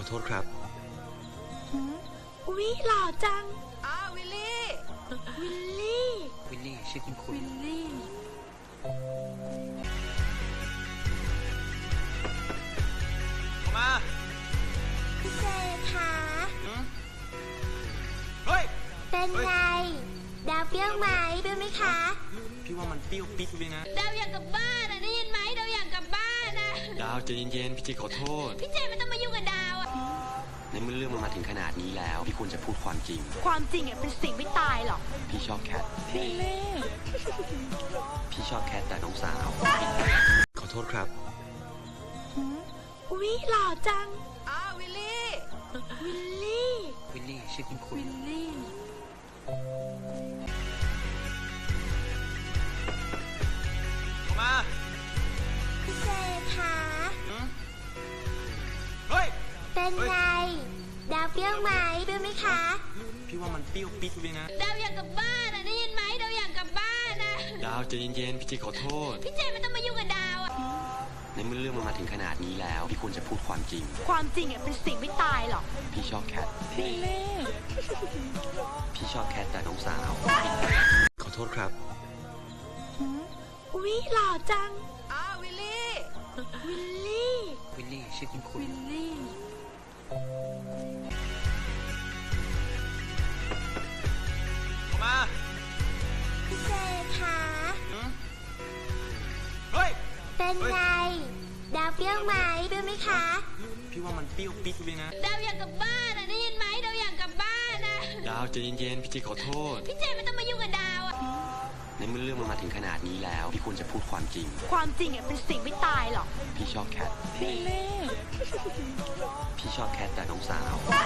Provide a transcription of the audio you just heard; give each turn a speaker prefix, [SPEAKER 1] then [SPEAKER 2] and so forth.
[SPEAKER 1] โทษครับ
[SPEAKER 2] อุ๊ยหล่อจัง
[SPEAKER 3] วิลลี่
[SPEAKER 2] วิลลี่
[SPEAKER 1] วิลลี่ชื่อคุณ
[SPEAKER 2] วิลลี่
[SPEAKER 3] มา
[SPEAKER 2] พี่เจคะ
[SPEAKER 3] เฮ้ย
[SPEAKER 2] เป็นไงดาวเปรี้ยวไหมด้วยไหมคะ
[SPEAKER 3] พี่ว่ามันเปรี้ยวปิ๊ดเลยนะ
[SPEAKER 2] ดาวอยากกลับบ้านได้ยินไหมดาวอยากกลับบ้านนะ
[SPEAKER 3] ดาวใจเย็นๆพี่เจขอโทษ
[SPEAKER 2] พี่เจไม่ต้องมายุ่งกับดาวอะ
[SPEAKER 1] ในเมื่อเรื่องมันมาถึงขนาดนี้แล้วพี่ควรจะพูดความจริง
[SPEAKER 2] ความจริงอะเป็นสิ่งไม่ตายหรอก
[SPEAKER 1] พี่ชอบแคท
[SPEAKER 2] วิลลี่
[SPEAKER 1] พี่ชอบแคทแต่น้องสาว ขอโทษครับ
[SPEAKER 2] อุ๊ยหล่อจัง
[SPEAKER 3] วิลลี่
[SPEAKER 2] วิลลี่
[SPEAKER 1] วิลลี่ชื่อคุณ
[SPEAKER 2] วิลลี่
[SPEAKER 3] มา
[SPEAKER 2] พี่เจคะ
[SPEAKER 3] เฮ้ย
[SPEAKER 2] เป็นไงดาวเปรี้ยวไหมด้วยไหมคะ
[SPEAKER 3] พี่ว่ามันเปรี้ยวปิ๊ดเลยนะ
[SPEAKER 2] ดาวอยากกลับบ้านได้ยินไหมดาวอยากกลับบ้านนะ
[SPEAKER 3] ดาวใจเย็นๆพี่เจขอโทษ
[SPEAKER 2] พี่เจไม่ต้องมายุ่งกับดาวอะ
[SPEAKER 1] ในเมื่อเรื่องมันมาถึงขนาดนี้แล้วพี่ควรจะพูดความจริง
[SPEAKER 2] ความจริงอะเป็นสิ่งไม่ตายหรอก
[SPEAKER 1] พี่ชอบแคท
[SPEAKER 2] วิลลี่
[SPEAKER 1] พี่ชอบแคทแต่น้องสาว ขอโทษครับ
[SPEAKER 2] อุ๊ยหล่อจัง
[SPEAKER 3] วิลลี่
[SPEAKER 2] วิลลี่
[SPEAKER 1] วิลลี่ชื่อคุณ
[SPEAKER 2] วิลลี่
[SPEAKER 3] มา
[SPEAKER 2] พี่เจคะ
[SPEAKER 3] เฮ้ย
[SPEAKER 2] เป็นไงดาวเปรี้ยวไหมด้วยไหมคะ
[SPEAKER 3] พี่ว่ามันเปรี้ยวปิ๊ดเลยนะ
[SPEAKER 2] ดาวอยากกลับบ้านได้ยินไหมดาวอยากกลับบ้านนะ
[SPEAKER 3] ดาวใจเย็นๆพี่เจขอโทษ
[SPEAKER 2] พี่เจไม่ต้องมายุ่งกับดาวอะ
[SPEAKER 1] ในเมื่อเรื่องมันมาถึงขนาดนี้แล้วพี่ควรจะพูดความจริง
[SPEAKER 2] ความจริงอะเป็นสิ่งไม่ตายหรอก
[SPEAKER 1] พี่ชอบแคท
[SPEAKER 2] วิลลี่
[SPEAKER 1] พี่ชอบแคทแต่น้องสาว